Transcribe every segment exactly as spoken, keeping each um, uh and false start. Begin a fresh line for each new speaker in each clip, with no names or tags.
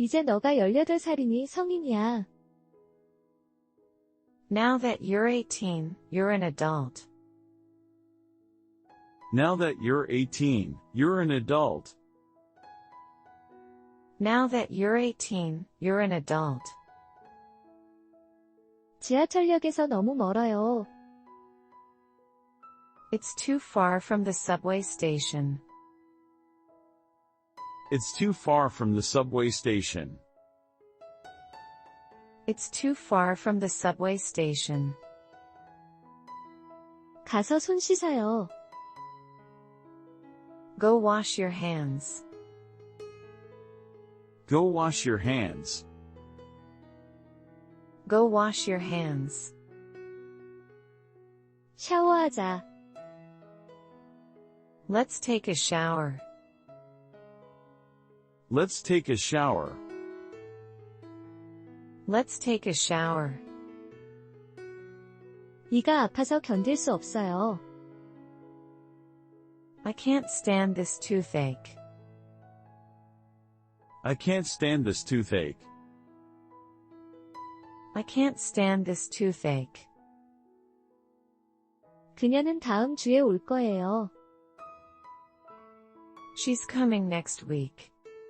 이제 너가 열여덟 살이니 성인이야.
Now that you're eighteen, you're an adult.
Now that you're eighteen, you're an adult.
Now that you're eighteen, you're an adult.
지하철역에서 너무 멀어요.
It's too far from the subway station.
It's too far from the subway station.
It's too far from the subway station.
가서 손 씻어요.
Go wash your hands.
Go wash your hands.
Go wash your hands.
샤워하자.
Let's take a shower.
Let's take a shower.
Let's take a shower.
이가 아파서 견딜 수 없어요.
I can't stand this toothache.
I can't stand this toothache.
I can't stand this toothache.
그녀는 다음 주에 올 거예요.
She's coming next week.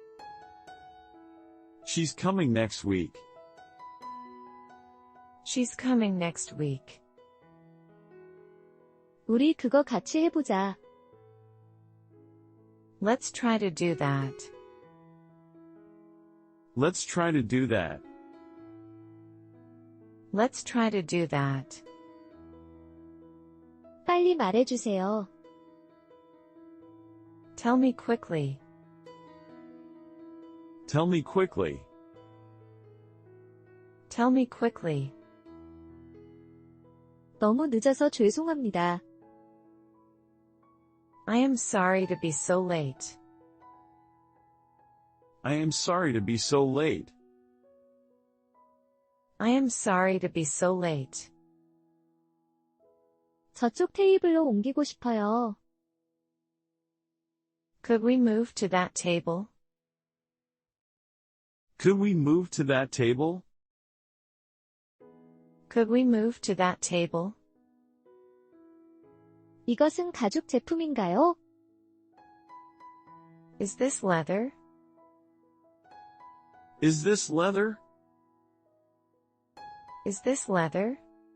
She's coming next week.
She's coming next week.
우리 그거 같이 해보자.
Let's try to do that.
Let's try to do that.
Let's try to do that.
빨리 말해주세요.
Tell me quickly.
Tell me quickly.
Tell me quickly.
너무 늦어서 죄송합니다.
I am sorry to be so late.
I am sorry to be so late.
I am sorry to be so late.
저쪽 테이블로 옮기고 싶어요.
Could we move to that table?
Could we move to that table?
Could we move to that table?
이것은 가죽 제품인가요?
Is this leather?
Is this leather?
Is this leather?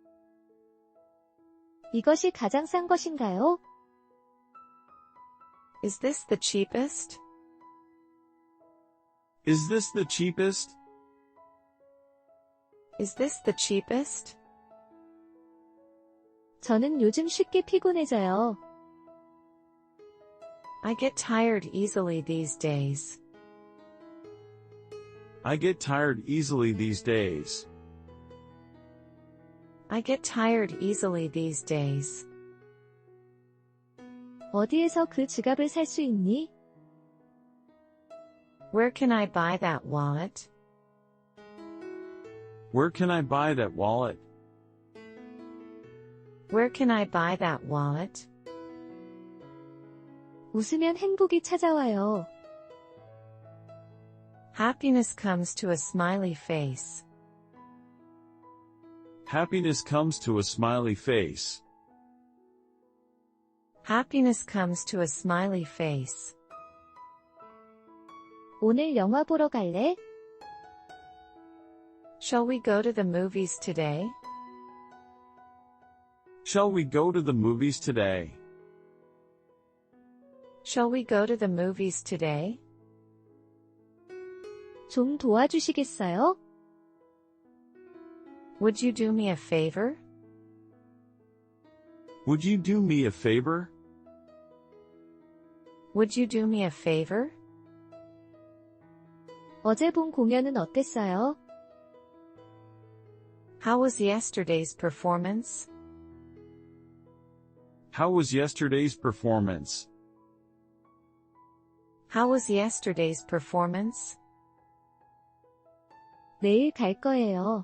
이것이 가장 싼 것인가요?
Is this the cheapest?
Is this the cheapest?
Is this the cheapest?
저는 요즘 쉽게 피곤해져요.
I get tired easily these days.
I get tired easily these days.
I get tired easily these days.
어디에서 그 지갑을 살 수 있니?
Where can I buy that wallet?
Where can I buy that wallet?
Where can I buy that wallet?
웃으면 행복이 찾아와요.
Happiness comes to a smiley face.
Happiness comes to a smiley face.
Happiness comes to a smiley face.
오늘 영화 보러 갈래?
Shall we go to the movies today?
Shall we go to the movies today?
Shall we go to the movies today?
좀 도와주시겠어요?
Would you do me a favor?
Would you do me a favor?
Would you do me a favor?
어제 본 공연은 어땠어요?
How was yesterday's performance?
How was yesterday's performance?
How was yesterday's performance?
내일 갈 거예요.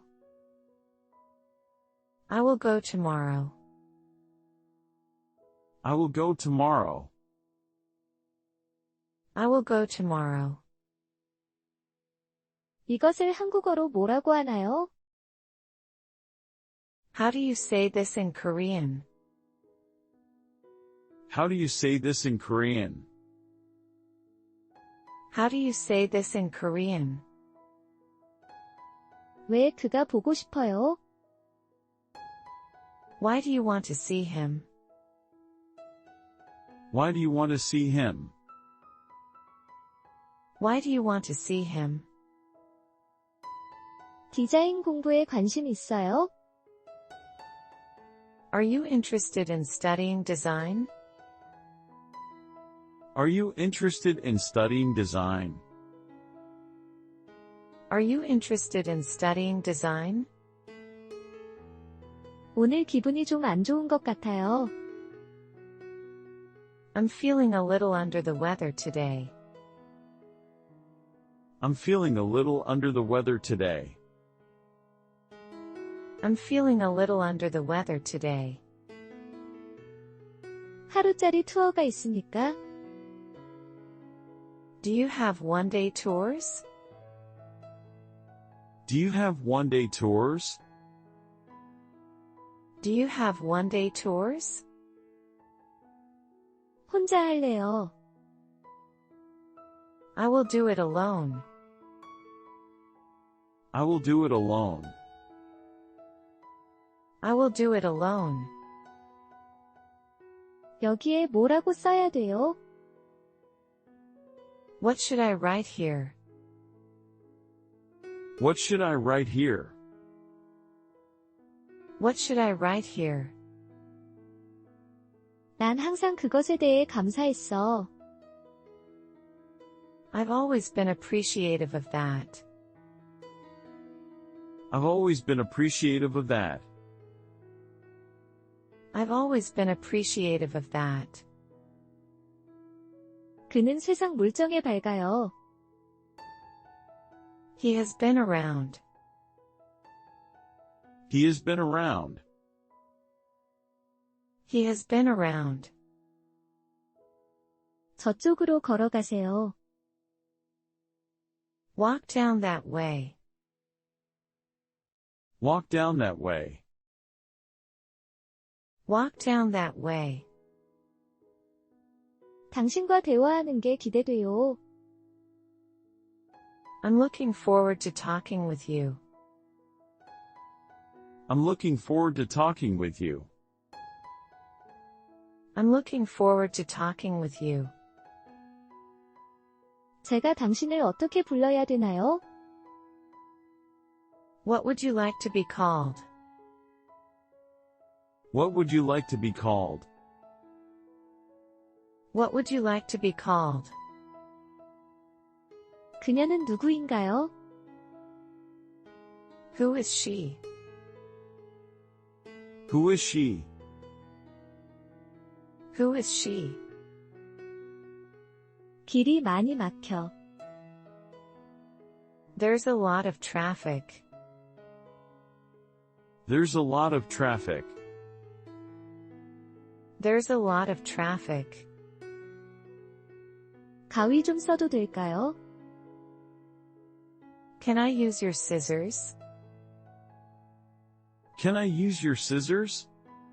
I will go tomorrow.
I will go tomorrow.
I will go tomorrow.
이것을 한국어로 뭐라고 하나요?
How do you say this in Korean?
How do you say this in Korean?
How do you say this in Korean?
왜 그가 보고 싶어요?
Why do you want to see him?
Why do you want to see him?
Why do you want to see him?
디자인 공부에 관심 있어요?
Are you interested in studying design?
Are you interested in studying design?
Are you interested in studying design?
오늘 기분이 좀 안 좋은 것 같아요.
I'm feeling a little under the weather today.
I'm feeling a little under the weather today.
I'm feeling a little under the weather today.
하루짜리 투어가 있습니까?
Do you have one-day tours?
Do you have one-day tours?
Do you have one-day tours?
혼자 할래요.
I will do it alone.
I will do it alone.
I will do it alone.
여기에 뭐라고 써야 돼요?
What should I write here?
What should I write here?
What should I write here?
난 항상 그것에 대해 감사했어.
I've always been appreciative of that.
I've always been appreciative of that.
I've always been appreciative of that.
그는 세상 물정에 밝아요.
He has been around.
He has been around.
He has been around.
저쪽으로 걸어가세요.
Walk down that way.
Walk down that way.
Walk down that way.
당신과 대화하는 게 기대돼요.
I'm looking forward to talking with you.
I'm looking forward to talking with you.
I'm looking forward to talking with you.
제가 당신을 어떻게 불러야 되나요?
What would you like to be called?
What would you like to be called?
What would you like to be called?
그녀는 누구인가요?
Who is she?
Who is she?
Who is she?
길이 많이 막혀.
There's a lot of traffic.
There's a lot of traffic.
There's a lot of traffic.
가위 좀 써도 될까요?
Can I use your scissors?
Can I use your scissors?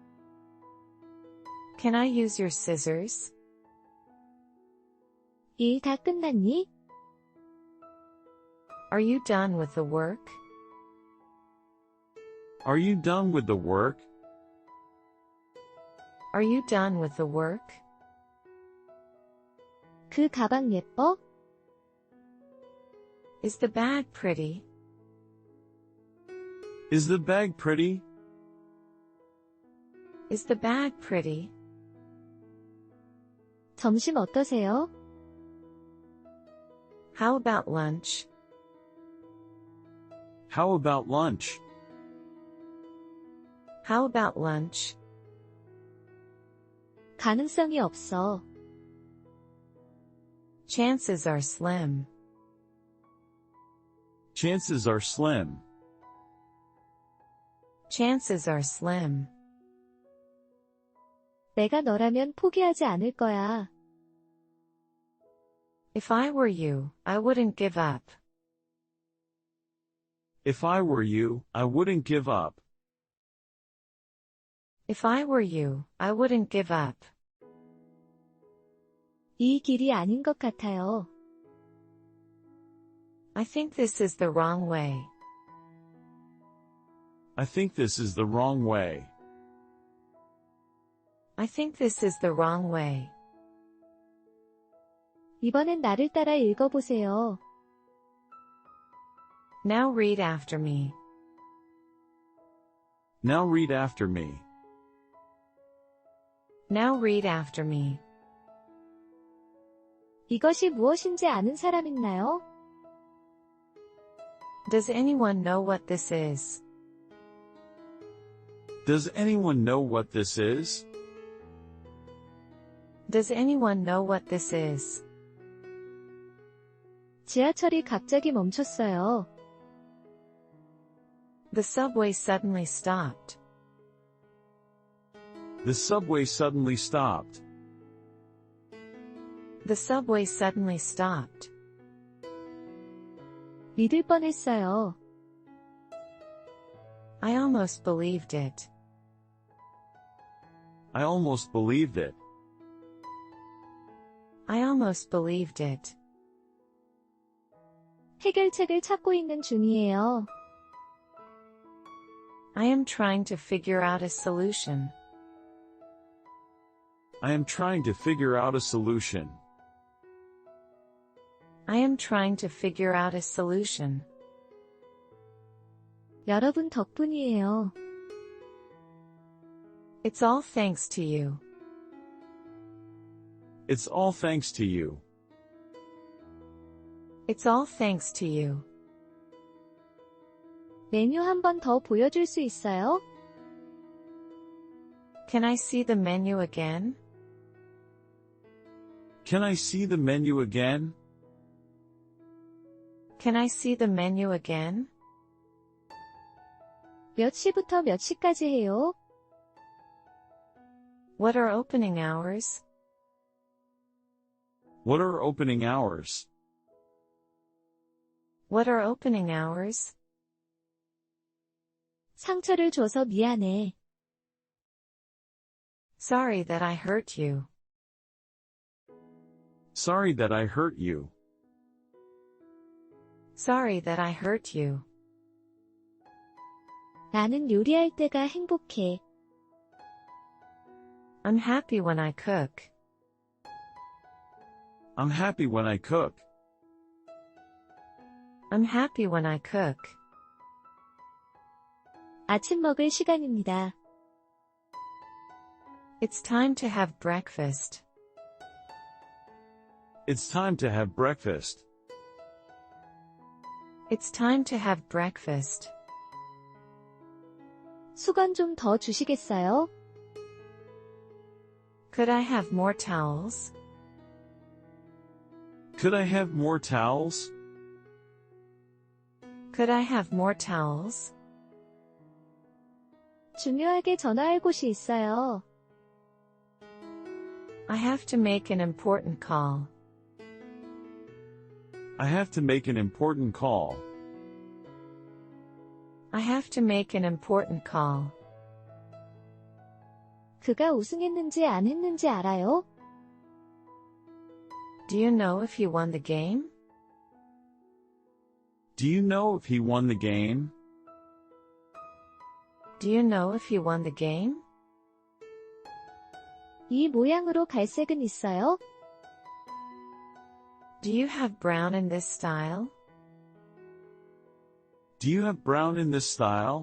Can I use your scissors?
일 다 끝났니?
Are you done with the work?
Are you done with the work?
Are you done with the work?
그 가방 예뻐?
Is the bag pretty?
Is the bag pretty?
Is the bag pretty?
점심 어떠세요?
How about lunch?
How about lunch?
How about lunch?
가능성이 없어.
Chances are slim.
Chances are slim.
Chances are slim.
내가 너라면 포기하지 않을 거야.
If I were you, I wouldn't give up.
If I were you, I wouldn't give up.
If I were you, I wouldn't give up.
이 길이 아닌 것 같아요.
I think this is the wrong way.
I think this is the wrong way.
I think this is the wrong way.
이번엔 나를 따라 읽어보세요.
Now read after me.
Now read after me.
Now read after me.
이것이 무엇인지 아는 사람 있나요?
Does anyone know what this is?
Does anyone know what this is?
Does anyone know what this is?
지하철이 갑자기 멈췄어요.
The subway suddenly stopped.
The subway suddenly stopped.
The subway suddenly stopped.
믿을 뻔했어요.
I almost believed it.
I almost believed it.
I almost believed it.
해결책을 찾고 있는 중이에요.
I am trying to figure out a solution.
I am trying to figure out a solution.
I am trying to figure out a solution.
여러분 덕분이에요.
It's all thanks to you.
It's all thanks to you.
It's all thanks to you.
메뉴 한 번 더 보여줄 수 있어요?
Can I see the menu again?
Can I see the menu again?
Can I see the menu again?
몇 시부터 몇 시까지 해요?
What are opening hours?
What are opening hours?
What are opening hours?
상처를 줘서 미안해.
Sorry that I hurt you.
Sorry that I hurt you.
Sorry that I hurt you.
나는 요리할 때가 행복해.
I'm happy when I cook.
I'm happy when I cook.
I'm happy when I cook.
아침 먹을 시간입니다.
It's time to have breakfast.
It's time to have breakfast.
It's time to have breakfast.
수건 좀 더 주시겠어요?
Could I have more towels?
Could I have more towels?
Could I have more towels?
중요하게 전화할 곳이 있어요.
I have to make an important call.
I have to make an important call.
I have to make an important call.
그가 우승했는지 안 했는지 알아요?
Do you know if he won the game?
Do you know if he won the game?
Do you know if he won the game?
이 모양으로 갈색은 있어요?
Do you have brown in this style?
Do you have brown in this style?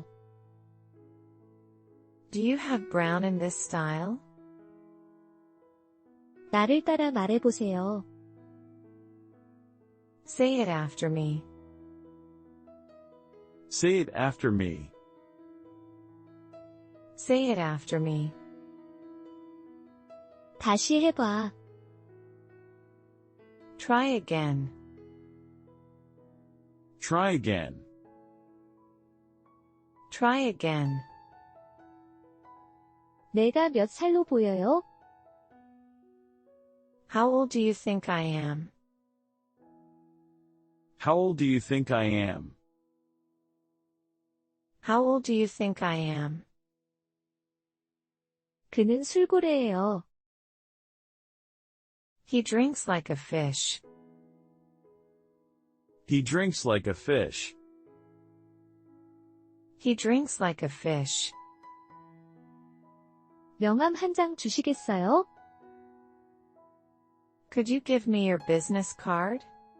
Do you have brown in this style?
나를 따라 말해보세요.
Say it after me.
Say it after me.
Say it after me.
다시 해봐.
Try again.
Try again.
Try again.
내가 몇 살로 보여요?
How old do you think I am?
How old do you think I am?
How old do you think I am?
그는 술고래예요.
He drinks like a fish.
He drinks like a fish.
He drinks like a fish.
명함 한 장 주시겠어요?
Could you give me your business card?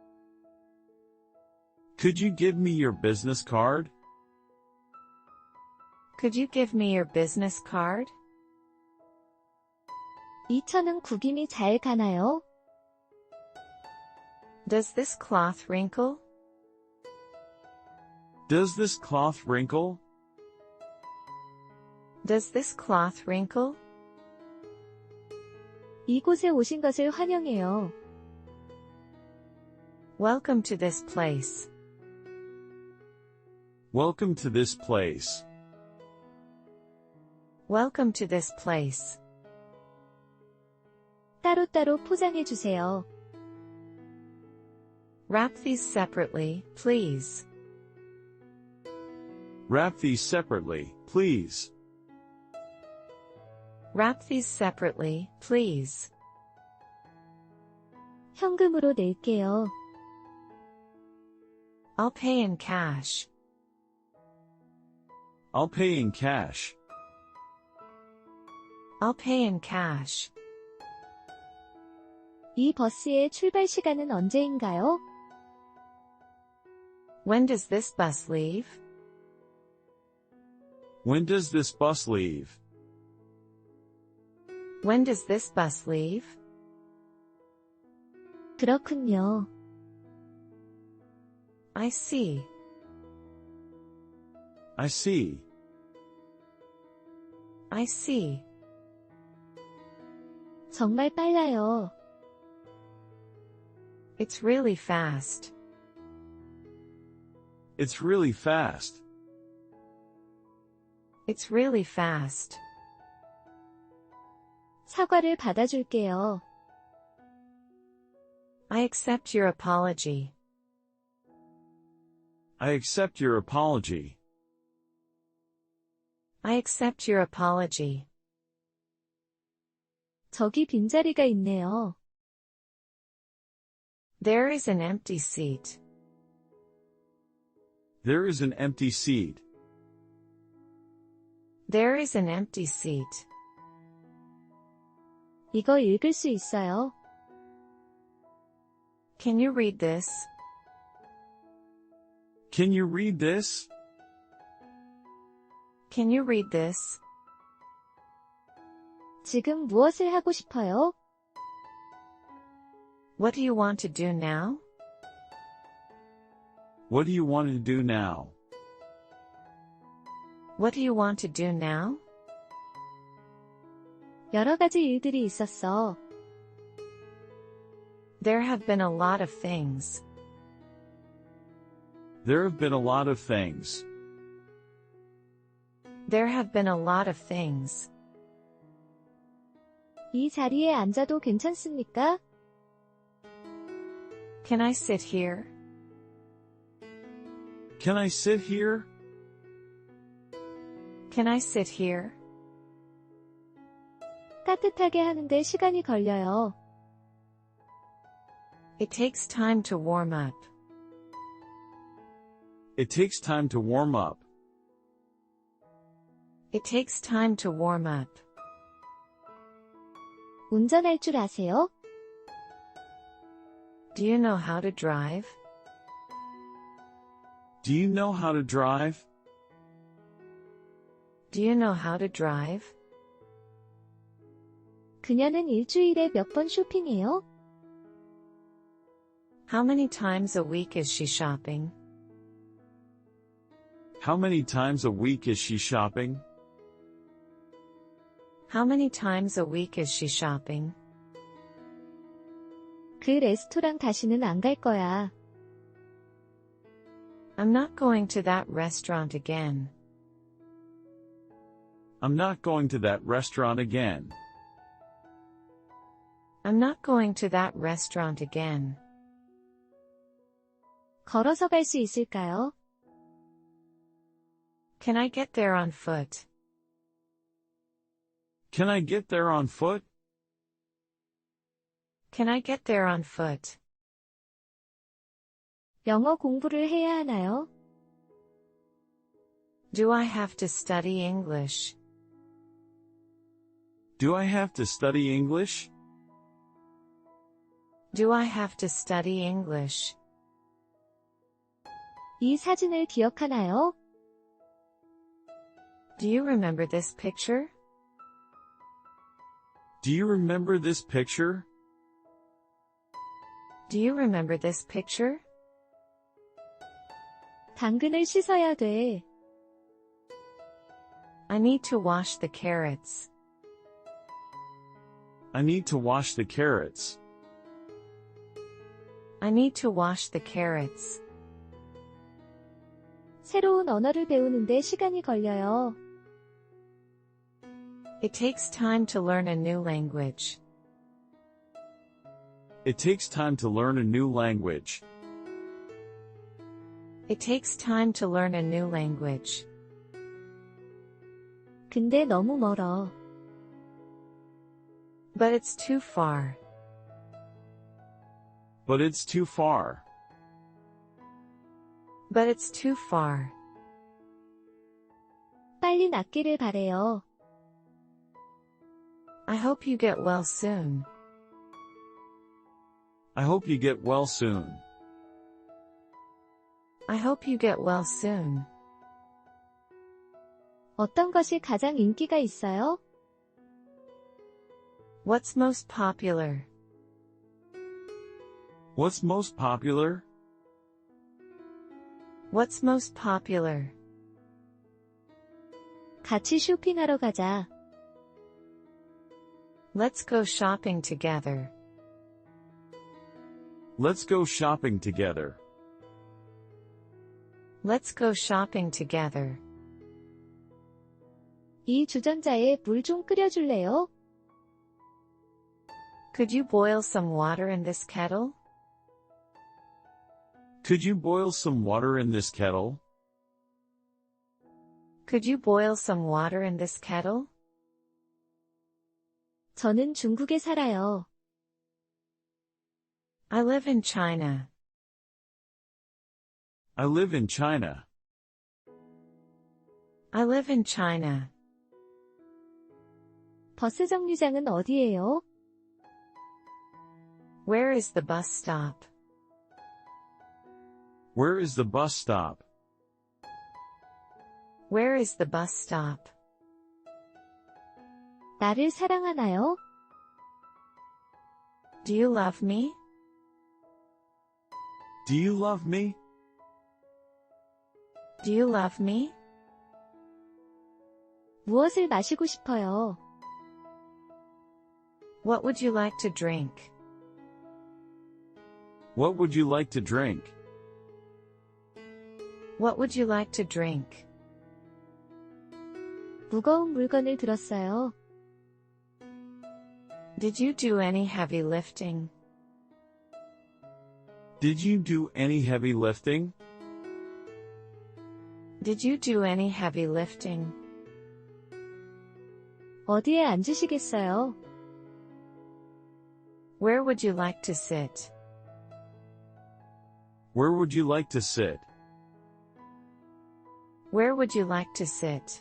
Could you give me your business card?
Could you give me your business card?
이 천은 구김이 잘 가나요?
Does this cloth wrinkle?
Does this cloth wrinkle?
Does this cloth wrinkle?
이곳에 오신 것을 환영해요.
Welcome to this place.
Welcome to this place.
Welcome to this place.
따로따로 포장해 주세요.
Wrap these separately, please.
Wrap these separately, please.
Wrap these separately, please.
현금으로 낼게요.
I'll pay in cash.
I'll pay in cash.
I'll pay in cash.
이 버스의 출발 시간은 언제인가요?
When does this bus leave?
When does this bus leave?
When does this bus leave?
그렇군요.
I see.
I see.
I see.
정말 빨라요.
It's really fast.
It's really fast.
It's really fast.
사과를 받아줄게요.
I accept your apology.
I accept your apology.
I accept your apology.
저기 빈자리가 있네요.
There is an empty seat.
There is an empty seat.
There is an empty seat.
이거 읽을 수 있어요?
Can you read this?
Can you read this?
Can you read this?
지금 무엇을 하고 싶어요?
What do you want to do now?
What do you want to do now?
What do you want to do now?
여러 가지 일들이 있었어.
There have been a lot of things.
There have been a lot of things.
There have been a lot of things.
이 자리에 앉아도 괜찮습니까?
Can I sit here?
Can I sit here?
Can I sit here?
따뜻하게 하는데 시간이 걸려요.
It takes time to warm up.
It takes time to warm up.
It takes time to warm up.
운전할 줄 아세요?
Do you know how to drive?
Do you know how to drive?
Do you know how to drive?
그녀는 일주일에 몇 번 쇼핑해요?
How many times a week is she shopping?
How many times a week is she shopping?
How many times a week is she shopping?
그 레스토랑 다시는 안 갈 거야.
I'm not going to that restaurant again.
I'm not going to that restaurant again.
I'm not going to that restaurant again.
걸어서 갈 수 있을까요?
Can I get there on foot?
Can I get there on foot?
Can I get there on foot?
영어 공부를 해야 하나요?
Do I have to study English?
Do I have to study English?
Do I have to study English?
이 사진을 기억하나요?
Do you remember this picture?
Do you remember this picture?
Do you remember this picture?
당근을 씻어야 돼.
I need to wash the carrots.
I need to wash the carrots.
I need to wash the carrots.
새로운 언어를 배우는데 시간이 걸려요.
It takes time to learn a new language.
It takes time to learn a new language.
It takes time to learn a new language.
근데 너무 멀어.
But it's too far.
But it's too far.
But it's too far.
빨리 낫기를 바래요.
I hope you get well soon.
I hope you get well soon.
I hope you get well soon.
어떤 것이 가장 인기가 있어요?
What's most popular?
What's most popular?
What's most popular?
같이 쇼핑하러 가자.
Let's go shopping together.
Let's go shopping together.
Let's go shopping together.
이 주전자에 물 좀 끓여줄래요?
Could you boil some water in this kettle?
Could you boil some water in this kettle?
Could you boil some water in this kettle?
저는 중국에 살아요.
I live in China.
I live in China.
I live in China.
버스 정류장은 어디예요?
Where is the bus stop?
Where is the bus stop?
Where is the bus stop?
나를 사랑하나요?
Do you love me?
Do you love me?
Do you love me?
무엇을 마시고 싶어요?
What would you like to drink?
What would you like to drink?
What would you like to drink?
무거운 물건을 들었어요.
Did you do any heavy lifting?
Did you do any heavy lifting?
Did you do any heavy lifting?
어디에 앉으시겠어요?
Where would you like to sit?
Where would you like to sit?
Where would you like to sit?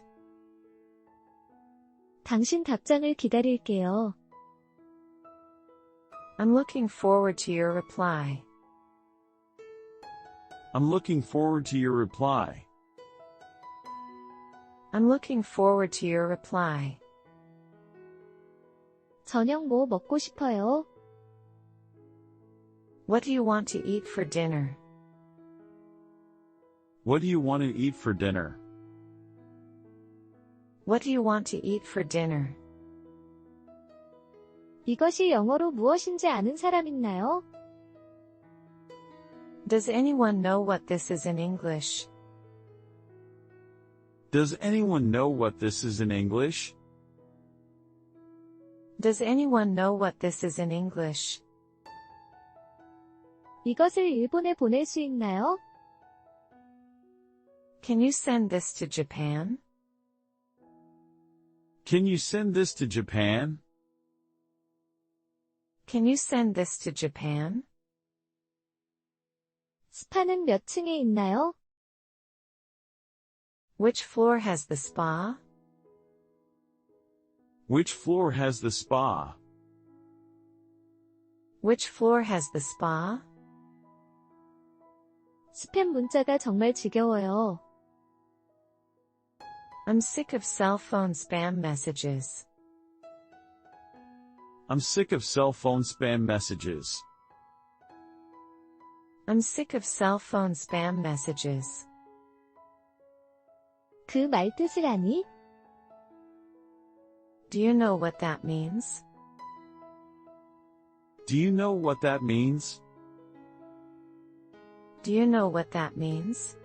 당신 답장을 기다릴게요.
I'm looking forward to your reply.
I'm looking forward to your reply.
I'm looking forward to your reply.
저녁 뭐 먹고 싶어요?
What do you want to eat for dinner?
What do you want to eat for dinner?
What do you want to eat for dinner?
이것이 영어로 무엇인지 아는 사람 있나요?
Does anyone know what this is in English?
Does anyone know what this is in English?
Does anyone know what this is in English?
이것을 일본에 보낼 수 있나요?
Can you send this to Japan?
Can you send this to Japan?
Can you send this to Japan?
스파는 몇 층에 있나요?
Which floor has the spa?
Which floor has the spa?
Which floor has the spa?
스팸 문자가 정말 지겨워요.
I'm sick of cell phone spam messages.
I'm sick of cell phone spam messages.
I'm sick of cell phone spam messages.
그 말 뜻을 아니?
Do you know what that means?
Do you know what that means?
Do you know what that means?